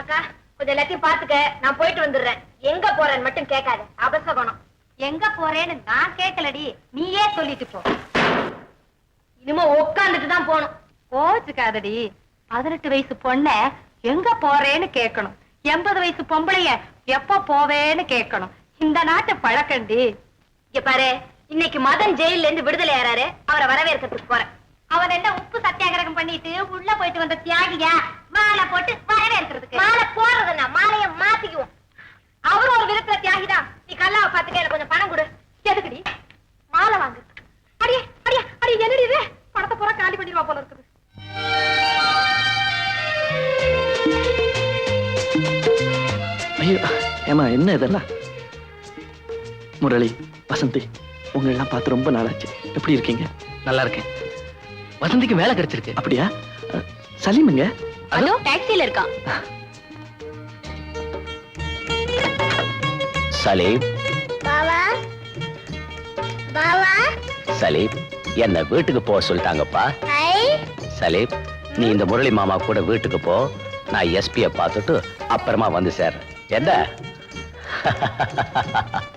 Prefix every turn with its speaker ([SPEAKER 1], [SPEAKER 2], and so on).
[SPEAKER 1] அக்கா கொஞ்சம் எல்லாத்தையும் பாத்துக்க, நான் போயிட்டு வந்துடுறேன். எங்க போறேன்னு மட்டும் கேட்காத, அபசகுணம். எங்க போறேன்னு நான் கேட்கலடி, நீயே சொல்லிட்டு போ. இனிமே உட்காந்துட்டு தான் போகணும். கோச்சுக்காதடி, 18 வயசு பொண்ண எங்க போறேன்னு கேட்கணும், 80 வயசு பொம்பளைய எப்ப போவேன்னு கேட்கணும். இந்த நாட்டு பழக்கண்டி. இங்க பாரு, இன்னைக்கு மதன் ஜெயில இருந்து விடுதலை ஆறாரு, அவரை வரவேற்கிறதுக்கு போறேன். அவன் என்ன உப்பு சத்தியாகிரகம் பண்ணிட்டு உள்ள போயிட்டு வந்த தியாகியா மாலை போட்டு வரவேற்கிறதுக்கு? மாலை போடுறதுன்னா மாலைய மாத்திக்குவோம். அவரும் ஒரு விதத்துல தியாகிதான். நீ கல்லாவை பாத்துக்க, எனக்கு கொஞ்சம் பணம் கொடு. எதுக்குடி? மாலை வாங்கு. அடியே அடியே அடி, என்னடி இது? பணத்தை பூரா காலி பண்ணிடுவா போல இருக்குது.
[SPEAKER 2] ஐயோ ஏமா, என்ன இதெல்லாம்? முரளி, வசந்தி, உங்களெல்லாம் பார்த்து ரொம்ப நாளாச்சு. எப்படி இருக்கீங்க?
[SPEAKER 3] நல்லா இருக்கேன். வசந்திக்கு வேலை கிடைச்சிருக்கு.
[SPEAKER 2] அப்படியா? சலீமுங்க?
[SPEAKER 1] அதோ டாக்ஸில இருக்கான்.
[SPEAKER 4] சலீம்,
[SPEAKER 5] பாவா பாவா,
[SPEAKER 4] சலீம், என்ன வீட்டுக்கு போக சொல்லிட்டாங்கப்பா. சலீம், நீ இந்த முரளி மாமா கூட வீட்டுக்கு போ. நான் எஸ்பியை பார்த்துட்டு அப்புறமா வந்து சேர்றேன். என்ன?